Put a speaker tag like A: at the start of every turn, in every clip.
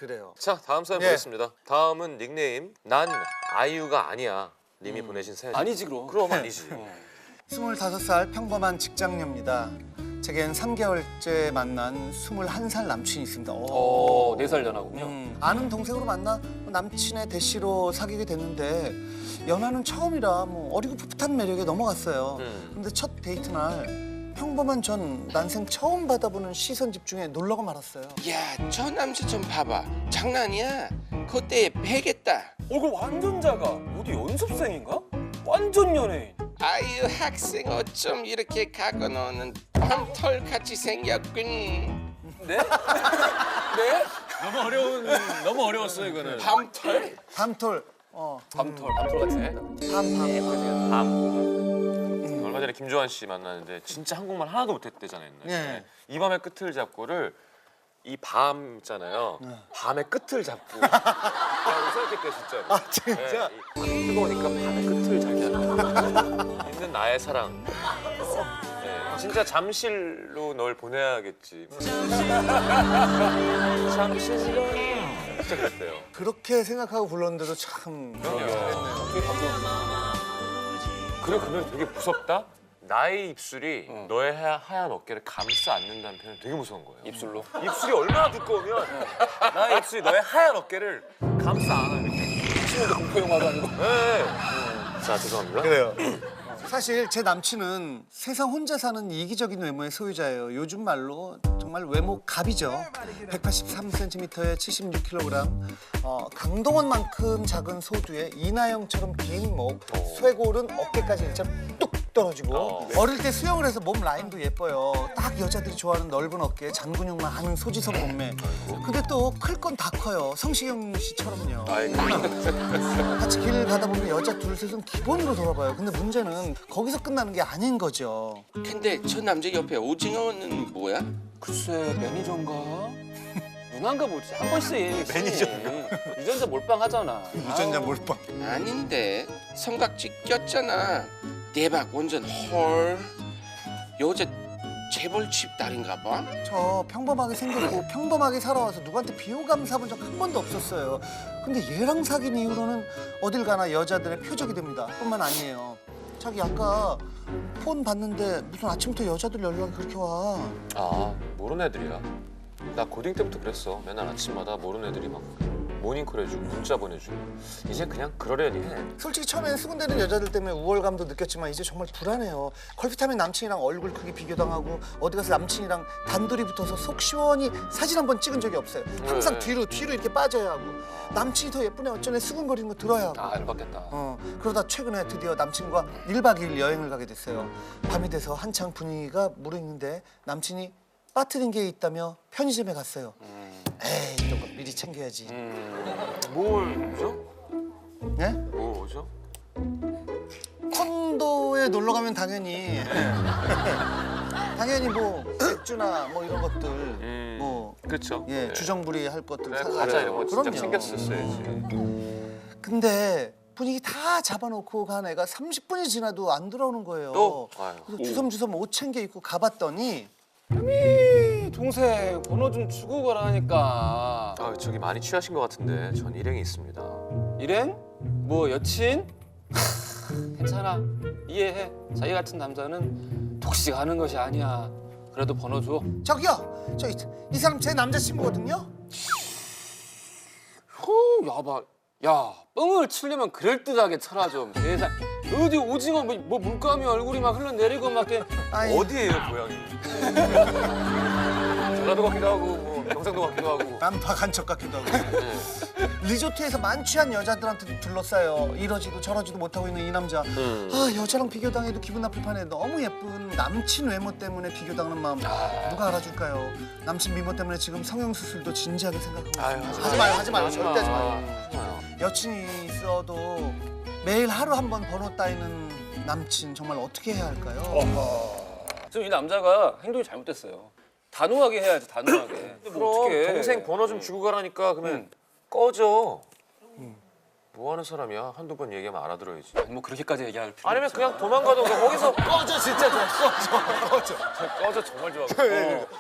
A: 그래요.
B: 자, 다음 사연
A: 예.
B: 보겠습니다. 다음은 닉네임 난 아이유가 아니야 님이 보내신 사연.
C: 아니지 그럼.
B: 그럼 아니지.
A: 25살 평범한 직장녀입니다. 제겐 3개월째 만난 21살 남친이 있습니다. 오.
C: 4살 연하군요.
A: 아는 동생으로 만나 남친의 대시로 사귀게 됐는데 연하는 처음이라 뭐 어리고 풋풋한 매력에 넘어갔어요. 근데 첫 데이트 날 평범한 전 난생 처음 받아보는 시선 집중에 놀라고 말았어요.
D: 야, 저 남자 좀 봐봐. 장난이야? 그때 배겠다.
C: 얼굴 완전 작아. 어디 연습생인가? 완전 연예인.
D: 아유, 학생 어쩜 이렇게 갖고 노는 밤털 같이 생겼군.
C: 네? 네?
B: 너무 어려웠어 이거는.
D: 밤털?
A: 밤톨.
C: 밤털 같아.
B: 얼마 전에 김조한 씨 만났는데 진짜 한국말 하나도 못했대잖아요. 옛날에.
A: 예.
B: 이 밤의 끝을 잡고를 이 밤 있잖아요. 밤의 끝을 잡고. 라고 생각했대요 진짜로.
A: 아 진짜?
B: 네, 뜨거우니까 밤의 끝을 잡자. 있는 나의 사랑. 네, 진짜 잠실로 널 보내야겠지. 잠실로. 진짜 그랬대요.
A: 그렇게 생각하고 불렀는데도 참 잘했네요.
B: 그리고 그 노래 되게 무섭다. 나의 입술이 너의 하얀 어깨를 감싸 안는다는 표현이 되게 무서운 거예요.
C: 입술로.
B: 입술이 얼마나 두꺼우면 나의 입술이 너의 하얀 어깨를 감싸 안아 이렇게.
C: 신문도 공포 영화도 아니고.
B: 네. 자, 죄송합니다.
A: 그래요. 사실 제 남친은 세상 혼자 사는 이기적인 외모의 소유자예요. 요즘 말로 정말 외모 갑이죠. 183cm에 76kg, 강동원만큼 작은 소두에 이나영처럼 긴 목, 쇄골은 어깨까지 일자로 뚝 떨어지고 어릴 때 수영을 해서 몸 라인도 예뻐요. 딱 여자들이 좋아하는 넓은 어깨, 잔근육만 하는 소지섭 몸매. 근데 또 클 건 다 커요. 성시경 씨처럼요. 같이 길 가다 보면 여자 둘 셋은 기본으로 돌아봐요. 근데 문제는 거기서 끝나는 게 아닌 거죠.
D: 근데 저 남자 옆에 오징어는 뭐야?
C: 글쎄 매니저인가? 누나인가 보지. 한 번씩. 매니저인가? 유전자 몰빵 하잖아.
A: 유전자 몰빵.
D: 아닌데 삼각지 꼈잖아. 대박 완전 헐. 여자 재벌집 딸인가 봐.
A: 저 평범하게 생겼고 평범하게 살아와서 누구한테 비호감 사본 적 한 번도 없었어요. 근데 얘랑 사귄 이후로는 어딜 가나 여자들의 표적이 됩니다. 뿐만 아니에요. 자기 아까 폰 봤는데 무슨 아침부터 여자들 연락이 그렇게 와.
B: 아, 모르는 애들이야. 나 고딩 때부터 그랬어. 맨날 아침마다 모르는 애들이 막 모닝콜 해주고 문자 보내주고. 이제 그냥 그러려니 해.
A: 솔직히 처음에는 수군대는 여자들 때문에 우월감도 느꼈지만 이제 정말 불안해요. 컬핏하면 남친이랑 얼굴 크기 비교당하고 어디 가서 남친이랑 단둘이 붙어서 속 시원히 사진 한 번 찍은 적이 없어요. 항상
B: 네.
A: 뒤로 이렇게 빠져야 하고 남친이 더 예쁘네 어쩌네 수근거리는 거 들어야 하고.
C: 아 열받겠다.
A: 그러다 최근에 드디어 남친과 1박 2일 여행을 가게 됐어요. 밤이 돼서 한창 분위기가 무르익는데 남친이 빠뜨린 게 있다며 편의점에 갔어요. 에이 이런 거 미리 챙겨야지.
B: 뭘 오죠?
A: 네?
B: 뭘 오죠?
A: 콘도에 놀러 가면 당연히 당연히 뭐 맥주나 뭐 이런 것들 뭐
B: 그렇죠.
A: 예, 주정부리 할 것들 사가요.
B: 과자 이런 거 진짜
A: 그럼요.
B: 챙겼었어야지.
A: 근데 분위기 다 잡아놓고 간 애가 30분이 지나도 안 돌아오는 거예요.
B: 또? 아유.
A: 그래서 주섬주섬 옷 챙겨 입고 가봤더니
C: 동생 번호 좀 주고 가라니까.
B: 아, 저기 많이 취하신 것 같은데 전 일행이 있습니다.
C: 일행? 뭐 여친? 괜찮아. 이해해. 자기 같은 남자는 독식하는 것이 아니야. 그래도 번호 줘.
A: 저기요, 저기 이 사람 제 남자친구거든요.
C: 야봐. 야, 뻥을 치려면 그럴듯하게 쳐라 좀. 세상. 어디 오징어 뭐 물감이 얼굴이 막 흘러내리고 막 이렇게.
A: 아이,
B: 어디예요, 고향이? 전라도 같기도 하고 뭐 경상도 같기도 하고.
A: 난파 간척 같기도 하고. 리조트에서 만취한 여자들한테 둘러싸여 이러지도 저러지도 못하고 있는 이 남자. 아 여자랑 비교당해도 기분 나쁠 판에 너무 예쁜 남친 외모 때문에 비교당하는 마음 누가 알아줄까요? 남친 미모 때문에 지금 성형수술도 진지하게 생각하고
B: 아유,
A: 있어요. 하지 마요, 하지 마요,
B: 하지
A: 절대 하지
B: 마.
A: 마요.
B: 하지 마요.
A: 여친이 있어도 매일 하루 한 번 번호 따이는 남친 정말 어떻게 해야 할까요?
C: 지금 이 남자가 행동이 잘못됐어요. 단호하게 해야지, 단호하게. 근데 뭐
B: 그럼
C: 어떡해.
B: 동생 번호 좀 주고 가라니까 그러면 꺼져. 뭐 하는 사람이야? 한두 번 얘기하면 알아들어야지.
C: 뭐 그렇게까지 얘기할 필요
B: 아니면
C: 없죠.
B: 그냥 도망가던가 거기서
A: 꺼져 진짜 좀 꺼져.
B: 꺼져 정말 좋아하고.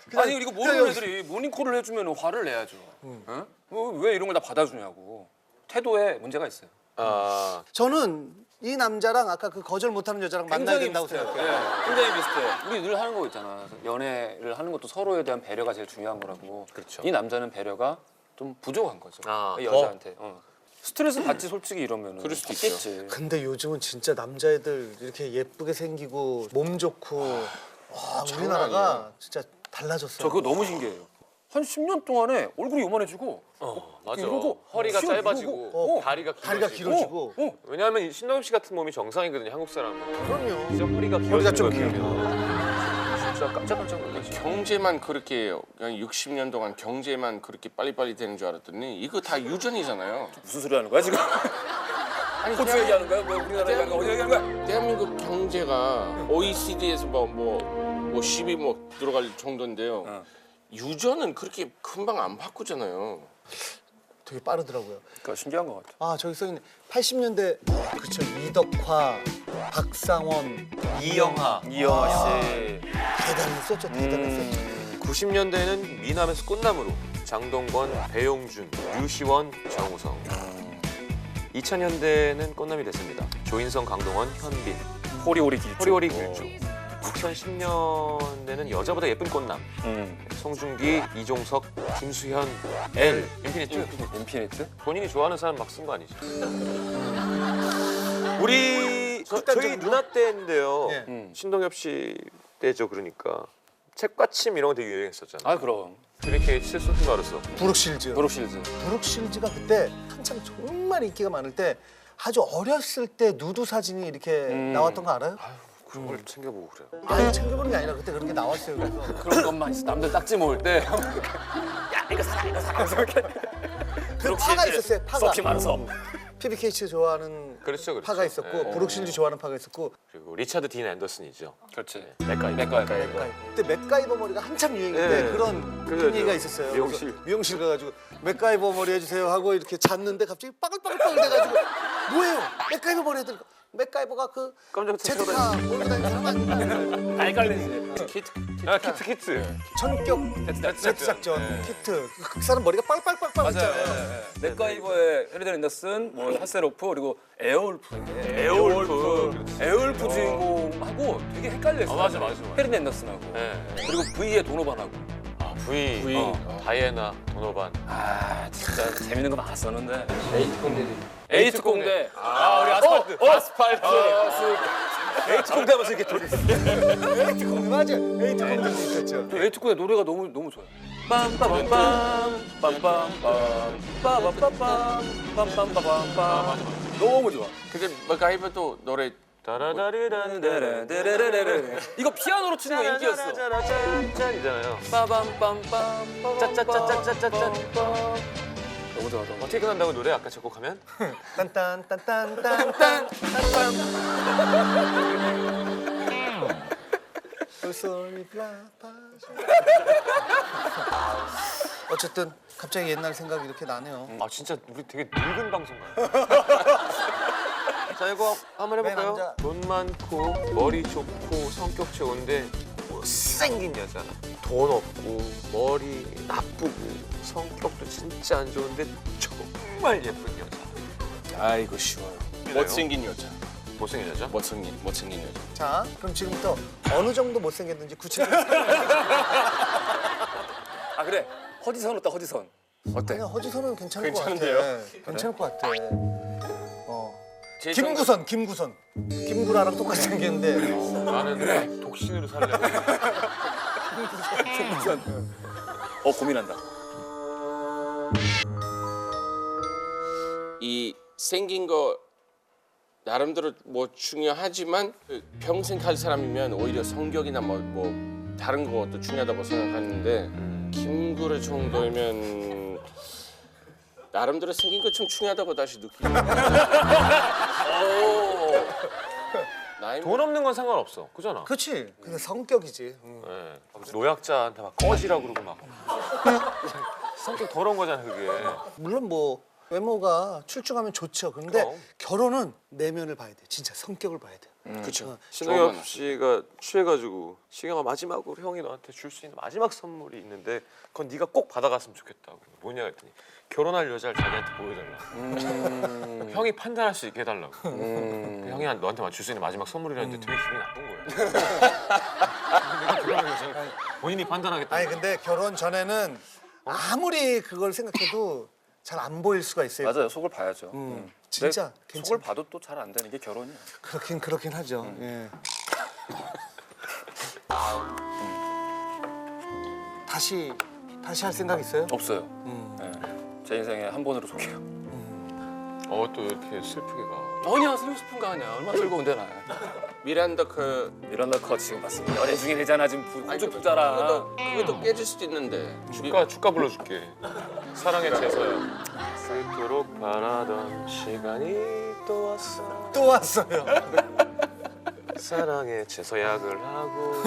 C: 아니 그리고 모르는 애들이 모닝콜을 해주면 화를 내야죠. 어? 왜 이런 걸 다 받아주냐고. 태도에 문제가 있어요.
B: 아,
A: 저는 이 남자랑 아까 그 거절 못하는 여자랑 만나야 된다고
C: 비슷해요.
A: 생각해요.
C: 네, 굉장히 비슷해. 우리 늘 하는 거 있잖아. 연애를 하는 것도 서로에 대한 배려가 제일 중요한 거라고.
B: 그렇죠.
C: 이 남자는 배려가 좀 부족한 거죠.
B: 아,
C: 이 여자한테. 스트레스 받지 솔직히 이러면.
D: 그럴 수도
C: 있겠지.
A: 근데 요즘은 진짜 남자애들 이렇게 예쁘게 생기고 몸 좋고 와, 우리나라가 진짜 달라졌어요.
C: 저 그거 너무 신기해요. 한 10년 동안에 얼굴이 요만해지고
B: 맞아.
C: 이러고
B: 허리가
C: 수염
B: 짧아지고
C: 이러고,
B: 다리가
A: 다리가
B: 길어지고.
A: 길어지고.
B: 왜냐하면 이 신동엽 씨 같은 몸이 정상이거든요, 한국 사람은.
A: 그럼요.
B: 이제 허리가
A: 허리가 좀
B: 길어지면 진짜 깜짝깜짝 놀랐어.
D: 경제만 그렇게 그냥 60년 동안 경제만 그렇게 빨리빨리 되는 줄 알았더니 이거 다 유전이잖아요.
C: 무슨 소리 하는 거야 지금?
D: 아니
C: 호주 얘기하는 거야? 뭐 우리나라 얘기하는 거야? 어디 얘기하는 거야?
D: 대한민국 경제가 OECD에서 뭐 10위 뭐 들어갈 정도인데요. 유전은 그렇게 금방 안 바꾸잖아요.
A: 되게 빠르더라고요.
C: 그러니까 신기한 것 같아.
A: 아 저기 써있네. 80년대 그쵸 이덕화, 박상원, 이영하
C: 이영하 씨.
A: 대단했었죠. 대단했었죠.
B: 90년대에는 미남에서 꽃나무로 장동건, 배용준, 류시원, 정우성. 2000년대에는 꽃남이 됐습니다. 조인성, 강동원, 현빈,
C: 호리호리 길쭉.
B: 호리호리 길쭉. 2010년대는 여자보다 예쁜 꽃남. 송중기, 이종석, 김수현, L, 인피니트.
C: 인피니트?
B: 본인이 좋아하는 사람 막 쓴 거 아니죠? 우리 저희 누나 때인데요.
A: 예.
B: 신동엽 씨 때죠. 그러니까 책받침 이런 거 되게 유행했었잖아요.
C: 아 그럼.
B: 트리케이츠, 소피 마르소.
A: 브룩실즈.
C: 브룩실즈.
A: 브룩실즈가 그때 한참 정말 인기가 많을 때 아주 어렸을 때 누드 사진이 이렇게 나왔던 거 알아요?
B: 그런 걸 챙겨보고 그래요.
A: 아니 챙겨보는 게 아니라 그때 그런 게 나왔어요. 그래서
C: 그런 것만 있어. 남들 딱지 모을 때. 야 이거 사라 이거 사라.
A: 그 파가 있었어요. 파가.
C: 소피 마르소.
A: PBK치 좋아하는
B: 그렇죠.
A: 파가 있었고
B: 예.
A: 브룩실즈 좋아하는 파가 있었고
B: 그리고 리차드 딘 앤더슨이죠.
C: 그렇지.
B: 맥가이버.
A: 그때 맥가이버 머리가 한참 유행일 때
B: 예.
A: 그런
B: 그래서
A: 얘기가 있었어요.
B: 미용실.
A: 그래서 미용실 가가지고 맥가이버 머리 해주세요 하고 이렇게 잤는데 갑자기 빠글빠글빠글 돼가지고 뭐예요? 맥가이버 머리 해드니까 맥가이버가 그
B: 깜짝
A: 제트카 몰고 다니는 사람 아닌가?
C: 헷갈리지.
B: 키트.
A: 전격 제트 작전 키트 그 사람 머리가 빨빨빨빨 있잖아요.
C: 맞아요. 맥가이버의 헤리던 앤더슨, 뭐 하세로프 그리고 에어울프. 에어울프 주인공하고 되게 헷갈렸어.
B: 맞아.
C: 헤리던 앤더슨하고.
B: 네.
C: 그리고 V의 도노반하고.
B: V. 다이애나, 도노반.
C: 아 진짜 재밌는 거 많았었는데.
D: 에이트 공대.
C: 에이트 공대. 아 우리 아스팔트. 에이트 공대 하면서 이렇게 돌이.
A: 에이트 공대 맞아. 에이트 공대 있었죠.
C: 에이트 공대 노래가 너무 좋아요. 빰빠밤빰 빰빰빰 빠밤빰빰 빰빰빰빰빰 너무 좋아.
D: 근데 맥가이버도 노래
C: 데레데레데레. 이거 피아노로 치는 거 인기였어.
B: 짠이잖아요.
C: 빠밤빰빰 짜짜짜짜짜짜짜. 너무 좋아.
B: 어떻게 끝난다고 노래 아까 작곡하면?
A: 딴딴딴딴딴딴 어쨌든 갑자기 옛날 생각이 이렇게 나네요.
B: 아 진짜 우리 되게 늙은 방송 같아요. 자 이거 한번 해볼까요?
A: 네, 남자.
B: 돈 많고 머리 좋고 성격 좋은데 못생긴 여자. 돈 없고 머리 나쁘고 성격도 진짜 안 좋은데 정말 예쁜 여자.
C: 아이고 쉬워요.
D: 못생긴 여자.
B: 못생긴 여자?
D: 못생긴 여자.
A: 자, 그럼 지금부터 어느 정도 못생겼는지 구체적으로
C: 아 그래. 허지선 어때 허지선? 어때?
A: 그냥 허지선은 괜찮을
D: 괜찮은데요?
A: 것 같아. 괜찮을 것 같아.
D: 제
A: 김구선. 김구라랑 똑같이 생겼는데
B: 나는 독신으로 살려고.
C: 고민한다.
D: 이 생긴 거 나름대로 뭐 중요하지만 평생 갈 사람이면 오히려 성격이나 뭐 다른 것도 중요하다고 생각하는데 김구라 정도면 나름대로 생긴 거 좀 중요하다고 다시 느끼는 나이
B: 돈 없는 건 상관없어. 그잖아.
A: 그렇지. 근데 성격이지.
B: 네. 노약자한테 막 꺼지라고 그러고 막. 성격 더러운 거잖아 그게.
A: 물론 뭐 외모가 출중하면 좋죠. 그런데
B: 그럼.
A: 결혼은 내면을 봐야 돼. 진짜 성격을 봐야 돼.
D: 그렇죠.
B: 신동엽 씨가 취해가지고 시경아 마지막으로 형이 너한테 줄 수 있는 마지막 선물이 있는데 그건 네가 꼭 받아갔으면 좋겠다고. 뭐냐 했더니 결혼할 여자를 자기한테 보여달라. 형이 판단할 수 있게 해달라고. 형이 너한테 줄 수 있는 마지막 선물이라는데 되게 기분이 나쁜 거야. 내가 결혼할 여자를 본인이 판단하겠다.
A: 아니 근데 결혼 전에는 아무리 그걸 생각해도 잘 안 보일 수가 있어요.
C: 맞아요. 속을 봐야죠.
A: 진짜
C: 근데
A: 괜찮아.
C: 속을 봐도 또 잘 안 되는 게 결혼이야.
A: 그렇긴 하죠. 예. 다시 할 생각 있어요?
C: 없어요. 네. 제 인생에 한 번으로 속해요.
B: 또 이렇게 슬프게 가.
C: 아니야, 슬픈 거 아니야. 얼마나 즐거운데 나.
D: 미란다 그
C: 미란다 커 지금 봤습니다. 연애 중이잖아 지금 부쩍 붙잖아.
D: 그것도 깨질 수도 있는데.
B: 축가 불러줄게. 사랑의 제서야. 그토록 바라던 시간이 또 왔어.
A: 또 왔어요.
B: 사랑의 제서약을 하고.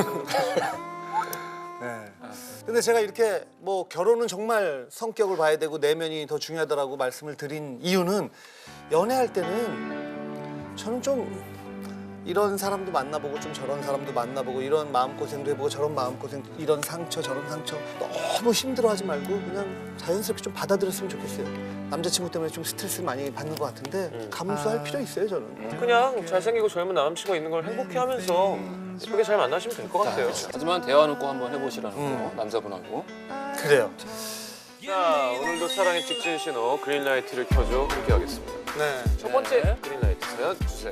A: 네. 근데 제가 이렇게 뭐 결혼은 정말 성격을 봐야 되고 내면이 더 중요하다라고 말씀을 드린 이유는 연애할 때는 저는 좀 이런 사람도 만나보고 좀 저런 사람도 만나보고 이런 마음고생도 해보고 저런 마음고생 이런 상처 저런 상처 너무 힘들어하지 말고 그냥 자연스럽게 좀 받아들였으면 좋겠어요. 남자친구 때문에 좀 스트레스 많이 받는 것 같은데 감수할 필요 있어요 저는.
B: 그냥 잘생기고 젊은 남친과 있는 걸 행복해하면서 예쁘게 잘 만나시면 될 것 같아요.
C: 하지만 대화는 꼭 한번 해보시라는 거 남자분하고.
A: 그래요.
B: 자, 오늘도 사랑의 직진 신호 그린라이트를 켜줘 함께 하겠습니다.
A: 네.
B: 첫 번째 그린라이트 사연 주세요.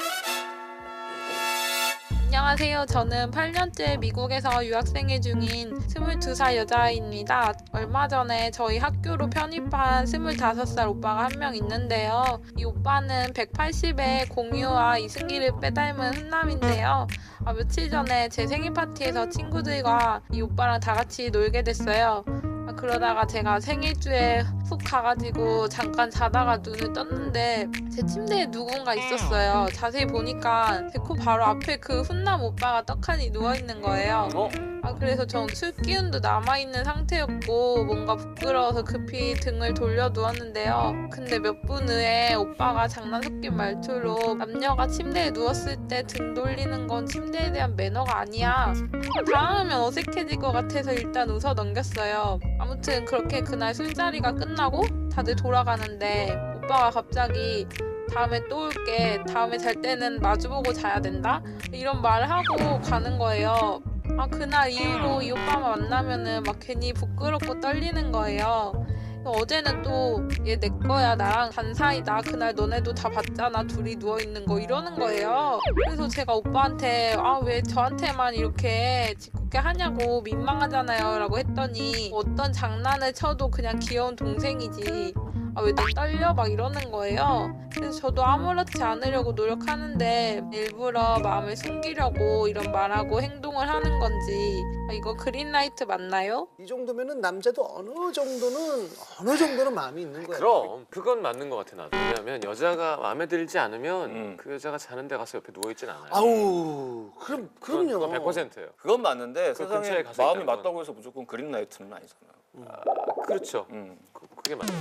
E: 안녕하세요. 저는 8년째 미국에서 유학생활 중인 22살 여자아이입니다. 얼마 전에 저희 학교로 편입한 25살 오빠가 한 명 있는데요. 이 오빠는 180에 공유와 이승기를 빼닮은 훈남인데요. 며칠 전에 제 생일 파티에서 친구들과 이 오빠랑 다 같이 놀게 됐어요. 그러다가 제가 생일주에 훅 가가지고 잠깐 자다가 눈을 떴는데 제 침대에 누군가 있었어요. 자세히 보니까 제 코 바로 앞에 그 훈남 오빠가 떡하니 누워있는 거예요. 그래서 전 술 기운도 남아있는 상태였고 뭔가 부끄러워서 급히 등을 돌려 누웠는데요. 근데 몇 분 후에 오빠가 장난 섞인 말투로 남녀가 침대에 누웠을 때 등 돌리는 건 침대에 대한 매너가 아니야. 당하면 어색해질 것 같아서 일단 웃어 넘겼어요. 아무튼 그렇게 그날 술자리가 끝나고 다들 돌아가는데 오빠가 갑자기 다음에 또 올게. 다음에 잘 때는 마주보고 자야 된다. 이런 말을 하고 가는 거예요. 그날 이후로 이 오빠만 만나면은 막 괜히 부끄럽고 떨리는 거예요. 어제는 또 얘 내 거야 나랑 단 사이다 그날 너네도 다 봤잖아 둘이 누워있는 거 이러는 거예요. 그래서 제가 오빠한테 왜 저한테만 이렇게 짓궂게 하냐고 민망하잖아요 라고 했더니 어떤 장난을 쳐도 그냥 귀여운 동생이지 왜 너 떨려? 막 이러는 거예요. 그래서 저도 아무렇지 않으려고 노력하는데 일부러 마음을 숨기려고 이런 말하고 행동을 하는 건지 이거 그린라이트 맞나요?
A: 이 정도면은 남자도 어느 정도는 마음이 있는 거예요.
B: 그럼 그건 맞는 것 같아 나도. 왜냐면 여자가 마음에 들지 않으면 그 여자가 자는 데 가서 옆에 누워있진 않아요.
A: 아우 그럼요.
B: 그건 100%예요.
C: 그건 맞는데
B: 그
C: 세상에
B: 근처에 가서
C: 마음이
B: 있다는 건.
C: 맞다고 해서 무조건 그린라이트는 아니잖아요.
B: 그렇죠. 그게 맞아요.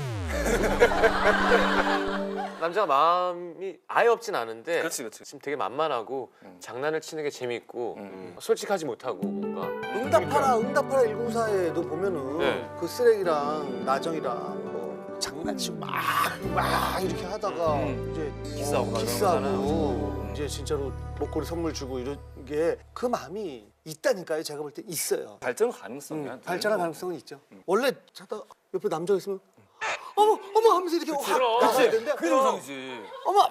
B: 남자가 마음이 아예 없진 않은데
C: 그렇지.
B: 지금 되게 만만하고 장난을 치는 게 재밌고 솔직하지 못하고 뭔가
A: 응답하라 194에도 보면은
B: 네.
A: 그 쓰레기랑 나정이랑 뭐 장난치고 막 이렇게 하다가 이제 키스하고 이제 진짜로 목걸이 선물 주고 이런 게 그 마음이 있다니까요. 제가 볼 때 있어요.
C: 발전 가능성이야.
A: 발전할 가능성은 있죠. 원래 자다 옆에 남자가 있으면 어머 하면서 이렇게 확 나와야 되는데
C: 그게 정상이지.
A: 어머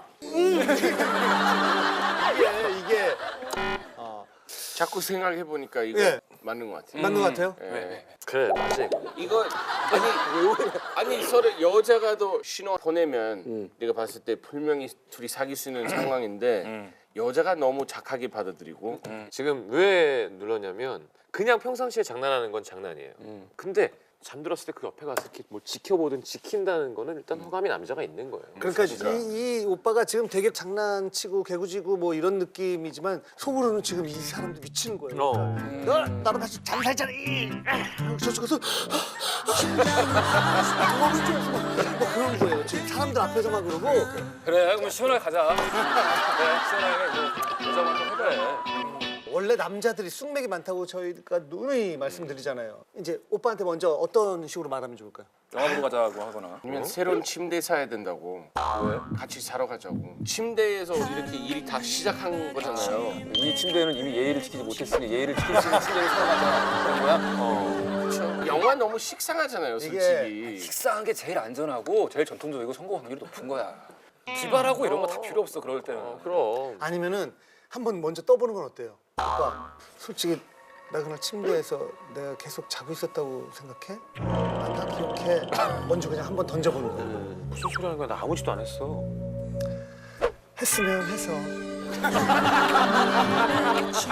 A: 이게
D: 자꾸 생각해 보니까 이거
A: 예.
D: 맞는 것 같아요.
A: 맞는 것 같아요.
D: 예.
B: 그래 맞아 이거.
D: 이거 아니 서로 여자가 더 신호 보내면 내가 봤을 때 분명히 둘이 사귈 수 있는 상황인데 여자가 너무 착하게 받아들이고
B: 지금 왜 눌렀냐면 그냥 평상시에 장난하는 건 장난이에요. 근데 잠들었을 때 그 옆에 가서 이렇게 뭘 지켜보든 지킨다는 거는 일단 호감이 남자가 있는 거예요.
A: 그러니까 이 오빠가 지금 되게 장난치고 개구지고 뭐 이런 느낌이지만 속으로는 지금 이 사람도 미치는 거예요. 너 나랑 같이 잠 살잖아. 저쪽 가서 너무 좋아서 막 그런 거예요. 너 지금 사람들 앞에서만 그러고
C: 그래 그럼 시원하게 가자. 그래 시원하게 뭐 여자 만좀 해보래.
A: 원래 남자들이 쑥맥이 많다고 저희가 누누이 말씀드리잖아요. 이제 오빠한테 먼저 어떤 식으로 말하면 좋을까요?
C: 영화 보러 가자고 하거나.
D: 아니면 새로운 침대 사야 된다고.
C: 왜?
D: 같이 사러 가자고. 침대에서 이렇게 일이 다 시작한 거잖아요.
C: 이 침대는 이미 예의를 지키지 못했으니 예의를 지킬 수 있는 침대를 사러 가자. 그런 거야?
D: 그렇죠. 영화 너무 식상하잖아요, 솔직히.
C: 식사한 게 제일 안전하고 제일 전통적이고 성공 확률이 높은 거야. 기발하고 이런 거 다 필요 없어 그럴 때는.
B: 그럼.
A: 아니면은 한번 먼저 떠보는 건 어때요? 오빠, 솔직히 나 그날 침대에서 내가 계속 자고 있었다고 생각해? 아, 나 기억해. 먼저 그냥 한번 던져보는 거야.
B: 무슨 소리 하는 거야? 나 아무 짓도 안 했어.
A: 했으면 해서.